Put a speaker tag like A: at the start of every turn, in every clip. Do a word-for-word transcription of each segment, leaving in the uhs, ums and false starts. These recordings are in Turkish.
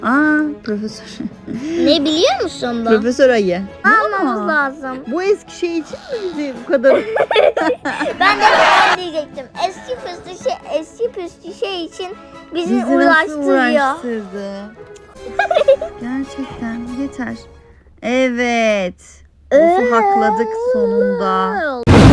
A: Aa, profesör.
B: Ne biliyor musun bu?
A: Profesör ayı.
B: Almamız
A: Aa,
B: lazım.
A: Bu eski şey için mi bizi bu kadar?
B: Ben de ben diyecektim. Eski püskü şey, eski püskü şey için bizi,
A: Bizi nasıl
B: uğraştırıyor.
A: uğraştırdı? Gerçekten yeter. Evet.
B: Ee?
A: Boss'u hakladık sonunda.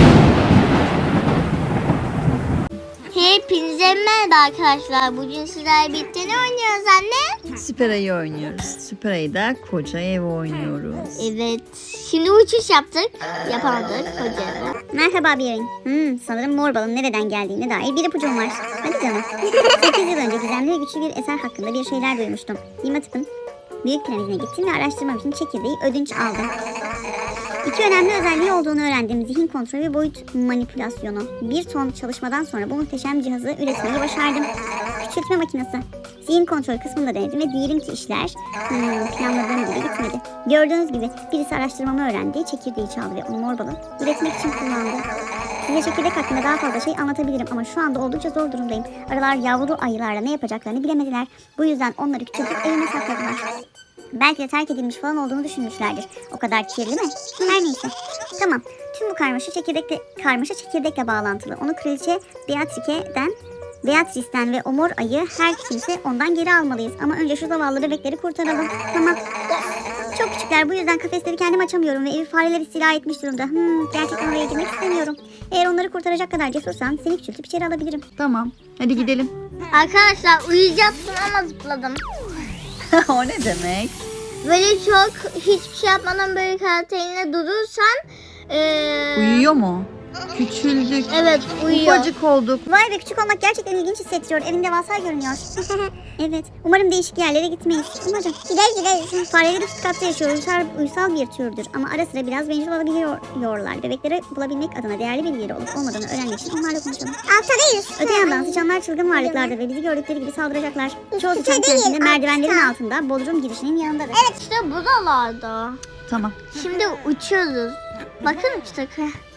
B: Hepinize merhaba arkadaşlar. Bugün sizlerle birlikte ne oynuyoruz anne?
A: Süper Ayı oynuyoruz. Süper Ayı'da koca ev oynuyoruz.
B: Evet. Şimdi uçuş yaptık. Yapamadık koca evi.
C: Merhaba Birin. Hmm, sanırım mor balın nereden geldiğine dair bir ipucum var. Hadi canım. sekiz yıl önce gizemli ve güçlü bir eser hakkında bir şeyler duymuştum. Dimatip'in büyük piramidine gittim ve araştırmam için çekirdeği ödünç aldım. İki önemli özelliği olduğunu öğrendim. Zihin kontrolü ve boyut manipülasyonu. Bir ton çalışmadan sonra bu muhteşem cihazı üretmeyi başardım. Küçültme makinesi. Zihin kontrol kısmında denedim ve diyelim ki işler hmm, planladığım gibi gitmedi. Gördüğünüz gibi birisi araştırmamı öğrendi, çekirdeği çaldı ve onu mor balı üretmek için kullandı. Size çekirdek hakkında daha fazla şey anlatabilirim ama şu anda oldukça zor durumdayım. Arılar yavru ayılarla ne yapacaklarını bilemediler. Bu yüzden onları küçültüp evime sakladılar. Belki de terk edilmiş falan olduğunu düşünmüşlerdir. O kadar kirli mi? Her neyse. Tamam. Tüm bu karmaşa çekirdekle, karmaşa çekirdekle bağlantılı. Onu kraliçe Beatrice'den Beatrice'den ve o mor ayı her kimse ondan geri almalıyız. Ama önce şu zavallı bebekleri kurtaralım. Tamam. Çok küçükler, bu yüzden kafesleri kendim açamıyorum ve evi fareler istila etmiş durumda. Hmm, gerçekten oraya girmek istemiyorum. Eğer onları kurtaracak kadar cesursan seni küçültüp içeri alabilirim.
A: Tamam. Hadi gidelim.
B: Arkadaşlar uyuyacaksın ama zıpladım.
A: O ne demek?
B: Böyle çok hiçbir şey yapmadan böyle karakterine durursan ee...
A: Uyuyor mu? Küçüldük.
B: Evet, uyuyor.
A: Ufacık olduk.
C: Vay be, küçük olmak gerçekten ilginç hissettiriyor. Evin devasa görünüyor. Evet. Umarım değişik yerlere gitmeyiz. Umarım. Gideriz gideriz. Fareler üst katta yaşıyor. Uysal, uysal bir türdür. Ama ara sıra biraz bencil olabiliyorlar. Bebekleri bulabilmek adına değerli bir yeri olup olmadığını öğrenmek için onlarla konuşalım. Alttadayız. Öte yandan sıçanlar çılgın varlıklardır ve bizi gördükleri gibi saldıracaklar. Çoğu sıçan kendinde merdivenlerin altında bodrum girişinin yanındadır.
B: Evet, işte buralarda.
A: Tamam.
B: Şimdi uçuyoruz. Bakın işte.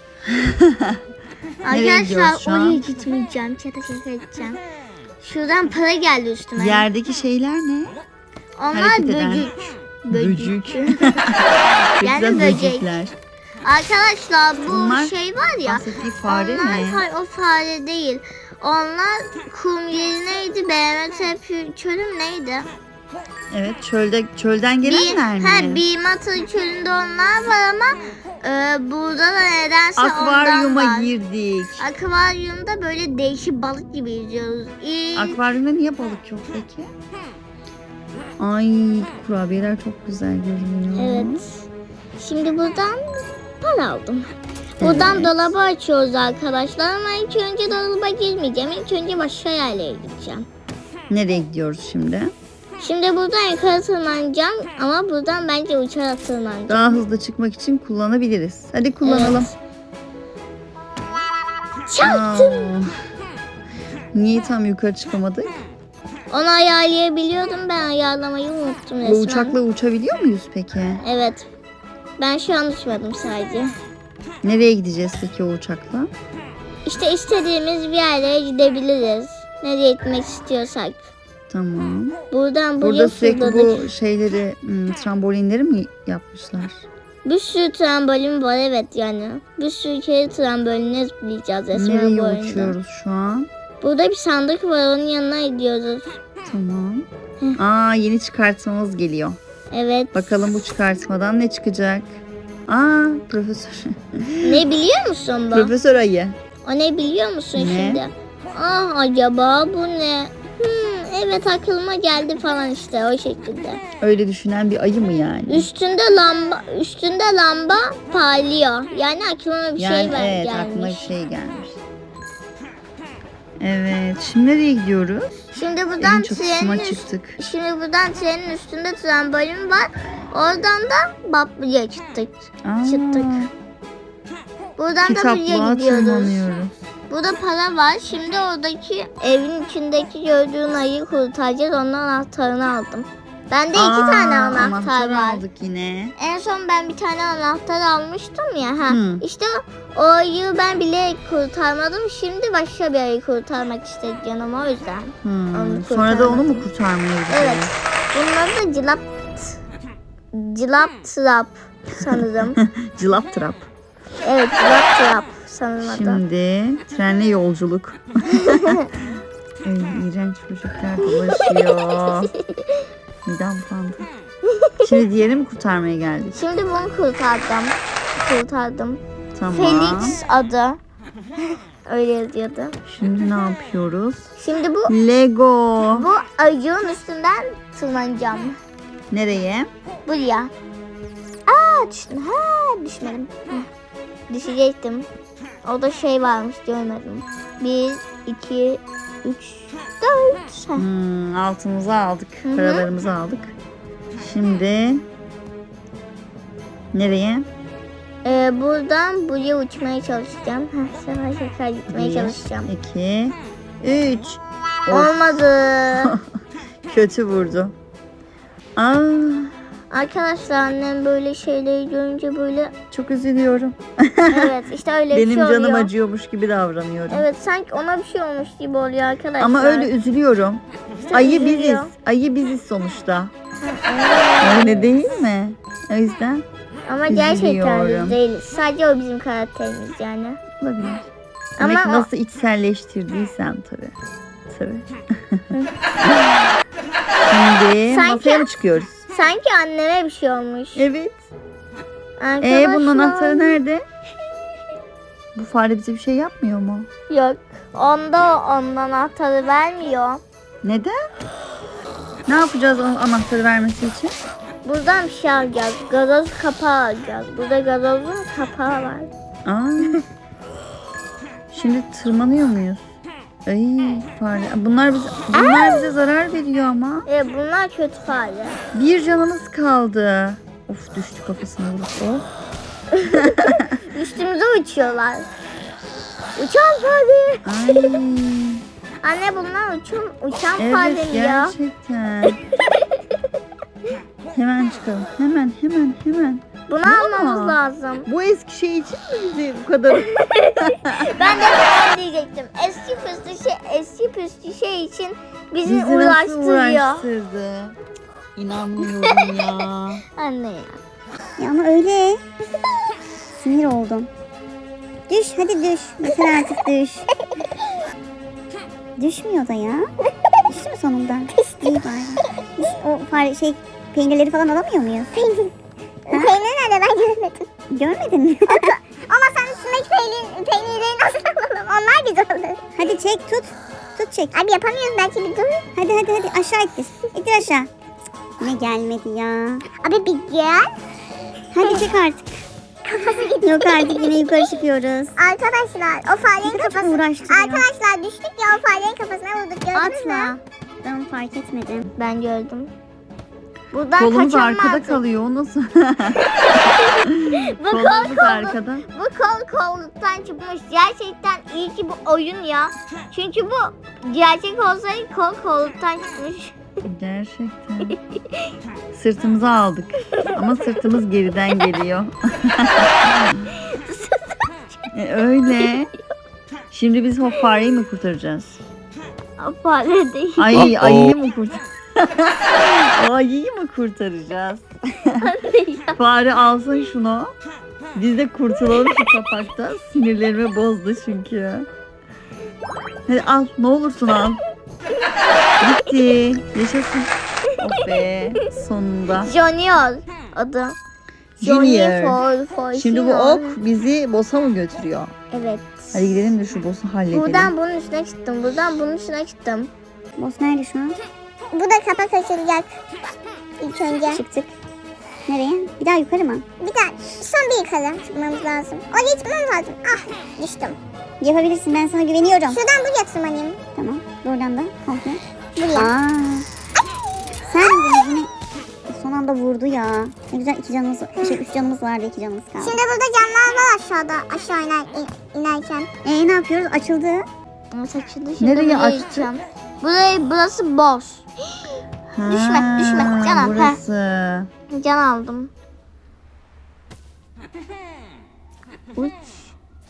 A: Nereye gidiyoruz
B: Arkadaşlar
A: şu an?
B: oraya gitmeyeceğim. Çete çete edeceğim. Şuradan para geldi üstüme.
A: Yerdeki şeyler ne?
B: Onlar
A: hareket eden.
B: böcek.
A: Böcük.
B: Yani
A: Güzel
B: böcek.
A: böcekler.
B: Arkadaşlar bu
A: Bunlar
B: şey var ya.
A: bahsettiği fare
B: onlar,
A: mi?
B: Hayır, o fare değil. Onlar kum yeri neydi? B M T çölüm neydi?
A: Evet, çölde çölden gelenler mi?
B: He, Bimata çölünde onlar var ama e, burada da nedense ondan
A: Akvaryuma
B: var.
A: girdik.
B: Akvaryumda böyle değişik balık gibi yüzüyoruz. İyi.
A: Akvaryumda niye balık yok peki? Ay, kurabiyeler çok güzel görünüyor.
B: Evet. Şimdi buradan para aldım. Buradan
A: Evet.
B: dolabı açıyoruz arkadaşlar ama ilk önce dolaba girmeyeceğim. İlk önce başka yerlere gideceğim.
A: Nereye gidiyoruz şimdi?
B: Şimdi buradan yukarı tırmanacağım ama buradan bence uçarak tırmanacağım.
A: Daha hızlı çıkmak için kullanabiliriz. Hadi kullanalım.
B: Çaktım.
A: Aa, niye tam yukarı çıkamadık?
B: Onu ayarlayabiliyordum, ben ayarlamayı unuttum resmen.
A: Bu uçakla uçabiliyor muyuz peki?
B: Evet. Ben şu an uçmadım sadece.
A: Nereye gideceğiz peki o uçakla?
B: İşte istediğimiz bir yerlere gidebiliriz. Nereye gitmek istiyorsak.
A: Tamam.
B: Buradan buraya
A: Burada sürekli
B: fırladık.
A: bu şeyleri, hmm, trambolinleri mi yapmışlar?
B: Bir sürü trambolin var, evet yani. Bir sürü kere tramboline zıplayacağız resmen
A: Nereye
B: bu oyunda.
A: uçuyoruz şu an?
B: Burada bir sandık var, onun yanına gidiyoruz.
A: Tamam. Aa, yeni çıkartmamız geliyor.
B: Evet.
A: Bakalım bu çıkartmadan ne çıkacak? Aa, profesör.
B: Ne biliyor musun bu?
A: Profesör ayı.
B: O ne biliyor musun
A: Ne?
B: şimdi? Ah, acaba bu ne? Hmm, evet, aklıma geldi falan işte o şekilde.
A: Öyle düşünen bir ayı mı yani?
B: Üstünde lamba, üstünde lamba parlıyor. Yani aklıma bir
A: Yani
B: şey ver,
A: evet,
B: gelmiş.
A: aklıma bir şey gelmiş. Evet, şimdi nereye gidiyoruz?
B: Şimdi buradan
A: En çatısına
B: trenin üst-
A: çıktık.
B: Şimdi buradan trenin üstünde trambolin var. Oradan da Bablı'ya çıktık.
A: Aa,
B: Çıktık. Buradan da buraya
A: kitaplığa
B: gidiyoruz.
A: tırmanıyoruz.
B: Burada para var. Şimdi oradaki evin içindeki gördüğün ayıyı kurtaracağız. Onun anahtarını aldım. Bende iki
A: Aa,
B: tane anahtar
A: anahtar
B: var.
A: aldık yine.
B: En son ben bir tane anahtar almıştım ya. Ha.
A: Hı.
B: İşte o ayıyı ben bilerek kurtarmadım. Şimdi başka bir ayı kurtarmak istedi canım, o yüzden.
A: Hmm,
B: Onu
A: Sonra da onu mu
B: kurtarmadım.
A: kurtarmaya gidiyoruz?
B: Evet. Bunlar da cilap cilap trap sanırım.
A: Cılap trap.
B: Evet, cilap trap sanırım adı.
A: Şimdi trenle yolculuk. Ay, iğrenç böcekler dolaşıyor. Midem bulandı. Şimdi diğeri mi kurtarmaya geldik?
B: Şimdi bunu kurtardım. Kurtardım.
A: Tamam.
B: Felix adı. Öyle yazıyordu.
A: Şimdi ne yapıyoruz?
B: Şimdi bu
A: Lego.
B: bu ayığın üstünden tırmanacağım.
A: Nereye?
B: Buraya. Aa düştüm. Ha düşmedim. Hı. Düşecektim. Orada şey varmış görmedim. Bir, iki, üç, dört. Heh.
A: Hmm, altımızı aldık.
B: Hı hı.
A: Paralarımızı aldık. Şimdi nereye?
B: Ee, buradan buraya uçmaya çalışacağım. Heh, sefer sefer gitmeye
A: Bir,
B: çalışacağım.
A: iki, üç. Of,
B: Olmadı.
A: kötü vurdu. Aa,
B: Arkadaşlar annem böyle şeyleri görünce böyle
A: çok üzülüyorum.
B: evet işte öyle bir
A: Benim
B: şey oluyor.
A: canım acıyormuş gibi davranıyorum.
B: Evet sanki ona bir şey olmuş gibi oluyor arkadaşlar.
A: Ama öyle üzülüyorum.
B: İşte
A: Ayı
B: üzülüyor.
A: biziz. Ayı biziz sonuçta.
B: Ha,
A: Öyle değil mi? O yüzden
B: Ama gerçekten
A: üzülüyorum.
B: biz değiliz. Sadece o bizim karakterimiz yani.
A: olabilir.
B: Ama
A: Demek ki
B: o-
A: nasıl içselleştirdiysen tabii. Tabii. Şimdi
B: Sanki-
A: masaya mı çıkıyoruz?
B: Sanki anneme bir şey olmuş.
A: Evet.
B: Arkadaşlar.
A: Ee bunun anahtarı nerede? Bu fare bize bir şey yapmıyor mu?
B: Yok. Onda onun anahtarı vermiyor.
A: Neden? Ne yapacağız onun anahtarı vermesi için?
B: Buradan bir şey alacağız. Gazoz kapağı alacağız. Burada gazozun kapağı var.
A: Aa. Şimdi tırmanıyor muyuz? Ay fare. Bunlar bize, bunlar bize zarar veriyor ama.
B: Evet bunlar kötü fare.
A: Bir canımız kaldı. Of düştü kafasına vurup. Oh.
B: Üstümüze uçuyorlar. Uçan fare.
A: Ay.
B: Anne bunlar uçan, uçan
A: Evet
B: fare mi ya?
A: gerçekten. Hemen çıkalım. Hemen hemen hemen.
B: Bunu
A: Ne
B: almamız
A: ama?
B: lazım.
A: Bu eski şey için mi bizi bu kadar?
B: Ben de ben diyecektim. Eski püskü şey, eski püskü şey için bizi,
A: Bizi nasıl
B: uğraştırıyor.
A: uğraştırdı? İnanmıyorum ya.
B: Anne ya.
C: Ya ama öyle. Sinir oldum. Düş hadi düş. Yeter artık düş. Düşmüyor da ya. Düştü mü sonunda? İyi bari. Biz o fare şey peynirleri falan alamıyor muyuz?
B: Peynir nerede ben görmedim.
C: Görmedin mi?
B: Ama sen üstündeki peynir, peynirleri nasıl alalım? Onlar güzel olur.
C: Hadi çek tut. Tut çek.
B: Abi yapamıyoruz belki bir dur.
C: Hadi hadi hadi aşağı ittir. İttir aşağı. Cık, Ne gelmedi ya.
B: Abi bir gel.
C: Hadi çek artık.
B: Kafası gitti.
C: Yok artık yine yukarı çıkıyoruz.
B: Arkadaşlar o farenin
C: Ne kadar
B: kafası.
C: uğraştırıyor.
B: Arkadaşlar düştük ya o farenin kafasına vurduk gördünüz mü?
C: Atma. Ben fark etmedim.
B: Ben gördüm. Buradan
A: Kolumuz
B: kaçamazdık.
A: arkada kalıyor. O nasıl?
B: Bu kol
A: Kolumuz
B: kol.
A: arkada.
B: Bu kol kolluktan çıkmış. Gerçekten iyi ki bu oyun ya. Çünkü bu gerçek olsaydı kol kolluktan çıkmış.
A: Gerçekten. Sırtımıza aldık. Ama sırtımız geriden geliyor. E, öyle. Şimdi biz o fareyi mi kurtaracağız?
B: O fare değil.
A: Ay
D: Uh-oh.
A: ayıyı mı kurtaracağız? O ayıyı mı kurtaracağız? Fare alsın şunu. Biz de kurtulalım şu kapaktan. Sinirlerimi bozdu çünkü. Hadi al ne olursun al. Bitti. Yaşasın. Oh be sonunda.
B: Junior adı.
A: Junior.
B: for, for
A: Şimdi bu
B: Junior.
A: ok bizi boss'a mı götürüyor?
B: Evet.
A: Hadi gidelim de şu boss'u halledelim.
B: Buradan bunun üstüne çıktım. Buradan bunun üstüne çıktım.
C: Boss nerede şu an?
B: Bu da kapak açılacak. İlk önce.
C: Çıktık. Nereye? Bir daha yukarı mı?
B: Bir daha son bir yukarı çıkmamız lazım. Oraya çıkmamız lazım. Ah düştüm.
C: Yapabilirsin ben sana güveniyorum.
B: Şuradan buraya tırmanayım.
C: Tamam. Buradan da komple.
B: Buraya.
C: Aa. Sen de yine son anda vurdu ya. Ne güzel iki canımız, şey üç canımız vardı, iki canımız kaldı.
B: Şimdi burada camlar var aşağıda. Aşağı iner, in- inerken.
C: Ee ne yapıyoruz? Açıldı.
B: Evet açıldı. Şimdi
A: Nereye
B: buraya
A: açtı?
B: gideceğim. Burayı, burası boss.
A: Ha,
B: Düşme, düşme. Canım, ha.
A: Burası.
B: Can aldım.
A: Uç.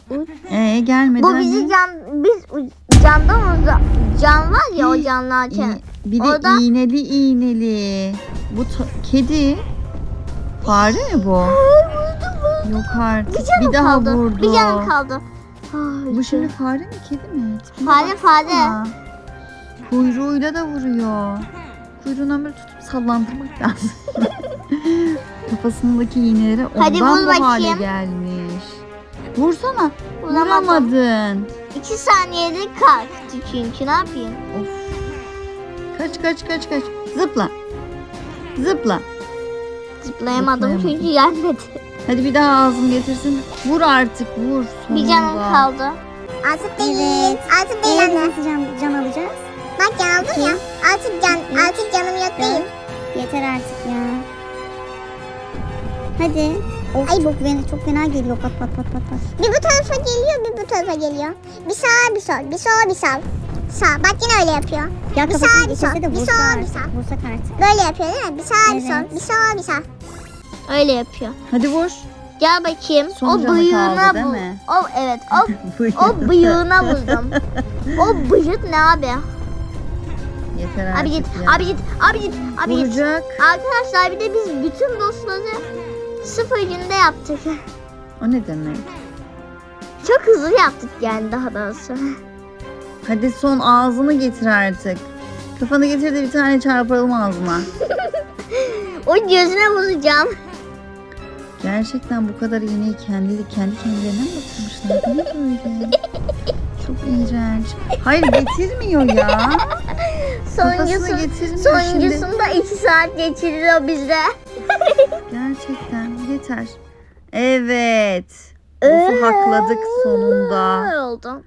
A: Ee gelmedi.
B: Bu bizi can biz u- candan uzak can var ya o canlarken.
A: İğ- bir de
B: Orada-
A: iğneli iğneli. Bu ta- kedi. Fare mi bu? Yok artık.
B: Bir canım
A: Bir daha
B: kaldı.
A: vurdu.
B: Bir canım kaldı. Ay,
A: Bu şimdi fare mi kedi mi? Tipine
B: Fare,
A: baksana.
B: fare.
A: Kuyruğuyla da vuruyor. Kuyruğundan böyle tutup sallandırmak lazım. Kafasındaki iğneleri ondan
B: Hadi vur
A: bu hale
B: bakayım.
A: gelmiş. Vursana.
B: Vuramadım.
A: Vuramadın.
B: İki saniyede kalktı çünkü ne yapayım?
A: Of. Kaç kaç kaç kaç. Zıpla. Zıpla.
B: Zıplayamadım
A: Zıplayamadım.
B: çünkü gelmedi.
A: Hadi bir daha ağzını getirsin. Vur artık vur.
B: Bir
A: sonunda.
B: canım kaldı.
C: Artık değil. Artık değil anne. Nasıl can, can alacağız? Bak can aldım ya. Artık can, artık canım yok değil. Yeter artık ya. Hadi. Of, Ay çok fena, çok fena geliyor pat pat pat pat pat. Bir bu tarafa geliyor, bir bu tarafa geliyor. Bir sağa bir sol, bir sola bir sol. Sağ. Bak yine öyle yapıyor. Ya bir sağa bir sol, bir sola bir sol. Vursak artık. Böyle yapıyor değil mi? Bir sağa bir sol, bir sola bir sol.
B: Öyle yapıyor.
A: Hadi vur.
B: Gel bakayım.
A: Son
B: o
A: canı
B: bıyığına
A: kaldı, değil
B: bu.
A: mi?
B: O evet. O o bıyığına vurdum. O bıyık ne abi?
A: Yeter artık
B: Abi git,
A: ya.
B: abi git, abi git, abi git.
A: Vuracak.
B: Arkadaşlar bir de biz bütün dostları sıfır günde yaptık.
A: O ne demek?
B: Çok hızlı yaptık yani daha doğrusu.
A: Hadi son ağzını getir artık. Kafanı getir de bir tane çarpalım ağzına.
B: O gözüne vuracağım.
A: Gerçekten bu kadar iğneyi kendi, kendi kendilerine mi batırmışlar? Bu ne böyle? Çok iğrenç. Hayır getirmiyor ya.
B: Sonuncusu,
A: Kafasına getirmiyor şimdi.
B: sonuncusunda iki saat geçiriyor bize.
A: Gerçekten yeter. Evet. Boss'u hakladık sonunda.
B: Ne oldu?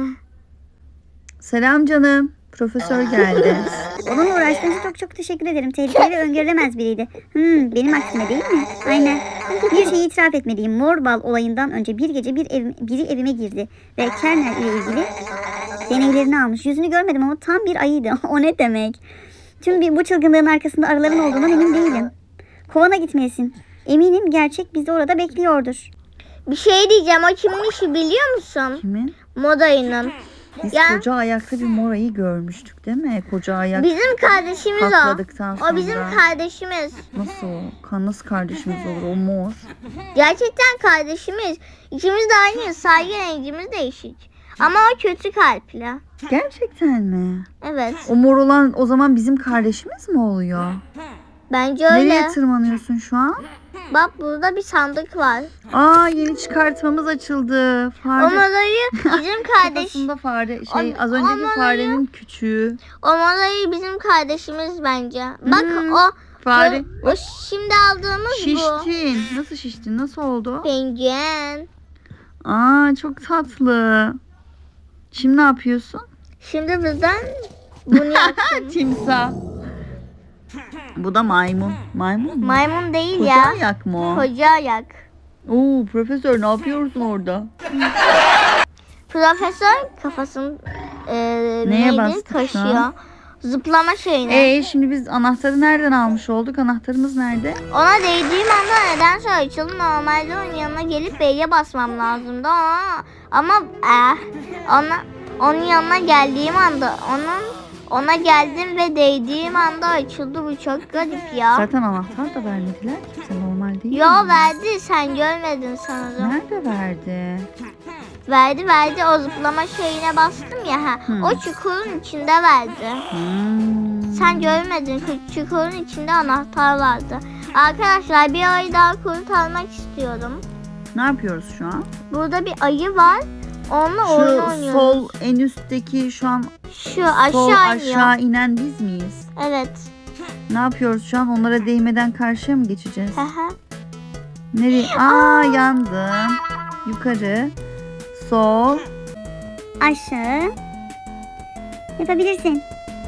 A: Selam canım. Profesör geldi.
C: Onunla uğraştığınız için çok çok teşekkür ederim. Tehlikeli ve öngörülemez biriydi. Hmm, benim aksime değil mi? Aynen. Bir şeyi itiraf etmeliyim. Mor bal olayından önce bir gece bir ev, biri evime girdi. Ve Kernel ile ilgili deneylerini almış. Yüzünü görmedim ama tam bir ayıydı. O ne demek? Tüm bir, bu çılgınlığın arkasında arıların olduğundan emin değilim. Kovana gitmeyesin. Eminim gerçek bizi orada bekliyordur.
B: Bir şey diyeceğim. O kimin işi biliyor musun?
A: Kimin?
B: Modayının.
A: Biz
B: Ya.
A: koca ayakta bir morayı görmüştük değil mi? Koca ayak
B: Bizim kardeşimiz o.
A: hakladıktan sonra.
B: O bizim kardeşimiz.
A: Nasıl o? Kan nasıl kardeşimiz olur? O mor.
B: Gerçekten kardeşimiz. İkimiz de aynı. Saygı rengimiz değişik. Ama o kötü kalpli.
A: Gerçekten mi?
B: Evet.
A: O mor olan o zaman bizim kardeşimiz mi oluyor?
B: Bence öyle.
A: Nereye tırmanıyorsun şu an?
B: Bak burada bir sandık var.
A: Aa yeni çıkartmamız açıldı.
B: O
A: Fare.
B: modayı bizim kardeş.
A: Kafasında fare. Şey
B: O-
A: az önceki
B: o
A: farenin küçüğü.
B: O modayı bizim kardeşimiz bence. Bak
A: Hmm,
B: o.
A: Fare.
B: O, o şimdi aldığımız bu.
A: Şiştin. Nasıl şiştin? Nasıl oldu?
B: Penguen.
A: Aa çok tatlı. Şimdi ne yapıyorsun?
B: Şimdi bizden bunu yaptım.
A: Timsah. Bu da maymun. Maymun mu?
B: Maymun değil
A: Koca
B: ya.
A: ayak mı o?
B: Koca ayak.
A: Oo profesör ne yapıyorsun orada?
B: Profesör kafasını e,
A: Neye
B: neydi?
A: bastık şu
B: Kaşıyor.
A: an?
B: Zıplama şeyine.
A: Ee şimdi biz anahtarı nereden almış olduk? Anahtarımız nerede?
B: Ona değdiğim anda nedense açıldı. Normalde onun yanına gelip B'ye basmam lazımdı ama ama eh, ona onun yanına geldiğim anda onun ona geldim ve değdiğim anda açıldı. Bu çok garip ya.
A: Zaten anahtar da vermediler kimse normal değil
B: Yo
A: mi?
B: verdi, sen görmedin sanırım.
A: Nerede verdi?
B: Verdi verdi, o zıplama şeyine bastım ya. Ha.
A: Hmm.
B: O çukurun içinde verdi.
A: Hmm.
B: Sen görmedin, çukurun içinde anahtar vardı. Arkadaşlar bir ayı daha kurtarmak istiyorum.
A: Ne yapıyoruz şu an?
B: Burada bir ayı var. Onunla oyun
A: Şu
B: oynuyoruz.
A: sol en üstteki şu an
B: Şu aşağı
A: sol
B: iniyor.
A: aşağı inen biz miyiz?
B: Evet.
A: Ne yapıyoruz şu an? Onlara değmeden karşıya mı geçeceğiz?
B: Aha.
A: Nereye? Aa yandım. Yukarı. Sol.
C: Aşağı. Yapabilirsin.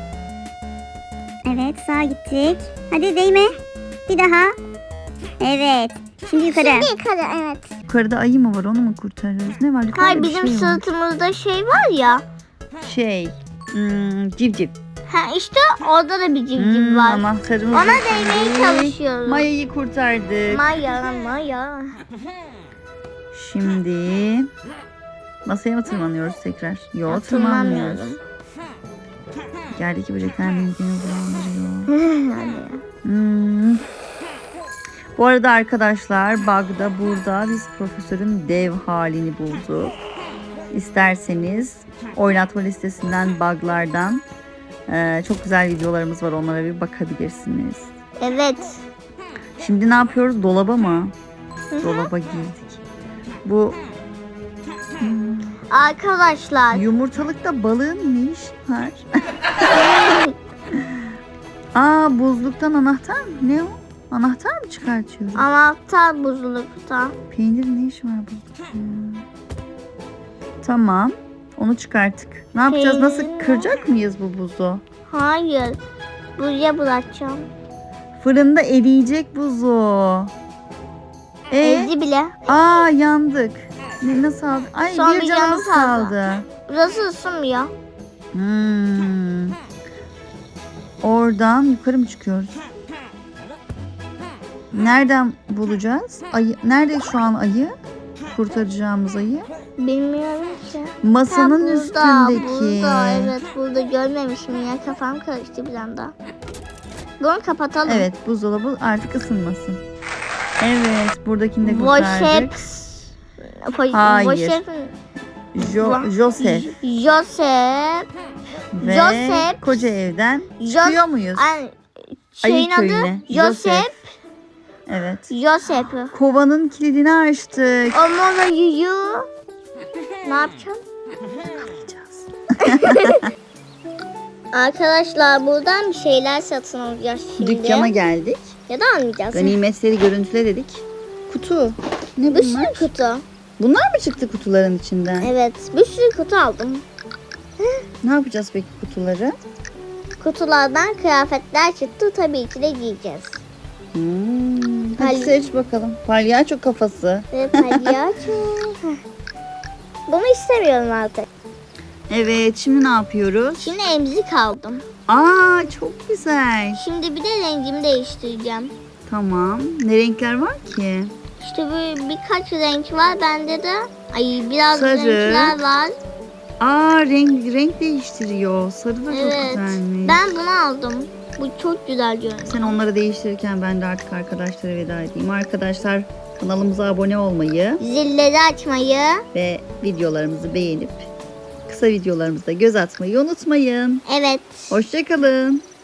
C: Evet sağa gittik. Hadi değme. Bir daha. Evet. Şimdi yukarı.
B: Şimdi yukarı, evet.
A: Yukarıda ayı mı var? Onu mu kurtarıyoruz? Ne var? Yukarıda
B: Hayır,
A: bir
B: bizim
A: şey var.
B: sırtımızda şey var ya.
A: Şey. Hmm, civciv.
B: Ha işte orada da bir civciv
A: Hmm,
B: var.
A: anahtarımız.
B: Ona
A: da
B: değmeye
A: şimdi.
B: çalışıyoruz.
A: Maya'yı kurtardık.
B: Maya, Maya.
A: Şimdi Masaya mı tırmanıyoruz tekrar? Yok,
B: Ya,
A: tırmanmıyoruz.
B: tırmanmıyorum.
A: Yerdeki böcekler midemi bulandırıyor.
B: Hadi.
A: Hmm. Bu arada arkadaşlar bug'da burada biz profesörün dev halini bulduk. İsterseniz oynatma listesinden bug'lardan eee, çok güzel videolarımız var, onlara bir bakabilirsiniz.
B: Evet.
A: Şimdi ne yapıyoruz? Dolaba mı? Dolaba girdik. Bu hmm,
B: Arkadaşlar.
A: yumurtalıkta balığın ne işi var? Aa, buzluktan anahtar mı? Ne o? Anahtar mı çıkartıyoruz?
B: Anahtar buzlukta.
A: Peynirin ne işi var buzlukta ya? Tamam. Onu çıkarttık. Ne yapacağız? Nasıl
B: Peynir.
A: kıracak mıyız bu buzu?
B: Hayır. Buraya bırakacağım.
A: Fırında eriyecek buzu. E?
B: Ezdi bile.
A: Aa, yandık. Ne, nasıl aldı? Ay,
B: Son
A: bir
B: bir
A: canımız
B: canımız kaldı.
A: kaldı.
B: Burası ısınmıyor.
A: Hmm. Oradan yukarı mı çıkıyoruz? Nereden bulacağız? Ayı, nerede şu an ayı? Kurtaracağımız ayı.
B: Bilmiyorum ki.
A: Masanın
B: Ha, burada,
A: üstündeki.
B: Burada, evet burada görmemişim ya. Kafam karıştı bir anda. Bunu kapatalım.
A: Evet, buzdolabı artık ısınmasın. Evet, buradakini de kurtardık.
B: Voşep.
A: Hayır.
B: Voşep.
A: Jo Joseph
B: Joseph.
A: ve
B: Joseph.
A: koca evden
B: Jo-
A: çıkıyor muyuz?
B: Ay, Şeyin adı
A: köyüne.
B: Joseph.
A: Evet.
B: Joseph.
A: Kovanın kilidini açtık.
B: Ama yuyu. Ne yapacağım?
A: Kapayacağız.
B: Arkadaşlar buradan bir şeyler satın alacağız şimdi.
A: Dükkana geldik.
B: Ya da almayacağız.
A: Ganimetleri görüntüle dedik. Kutu. Ne
B: Bir
A: bunlar?
B: sürü kutu.
A: Bunlar mı çıktı kutuların içinden?
B: Evet bir sürü kutu aldım.
A: Ne yapacağız peki kutuları?
B: Kutulardan kıyafetler çıktı. Tabii ki de giyeceğiz.
A: Hmm. Hadi
B: Pal-
A: seç bakalım. Palyaço kafası.
B: Ve palyaço. Heh. Bunu istemiyorum artık.
A: Evet, şimdi ne yapıyoruz?
B: Şimdi emzik aldım.
A: Aa, çok güzel.
B: Şimdi bir de rengimi değiştireceğim.
A: Tamam. Ne renkler var ki?
B: İşte böyle birkaç renk var. Bende de ay biraz
A: Sarı.
B: renkler var.
A: Aa, renk renk değiştiriyor. Sarı da çok
B: Evet.
A: güzelmiş.
B: Ben bunu aldım. Bu çok güzel görünüyor.
A: Sen onları değiştirirken ben de artık arkadaşlara veda edeyim. Arkadaşlar, kanalımıza abone olmayı
B: Zilleri açmayı.
A: ve videolarımızı beğenip kısa videolarımıza göz atmayı unutmayın.
B: Evet.
A: Hoşça kalın.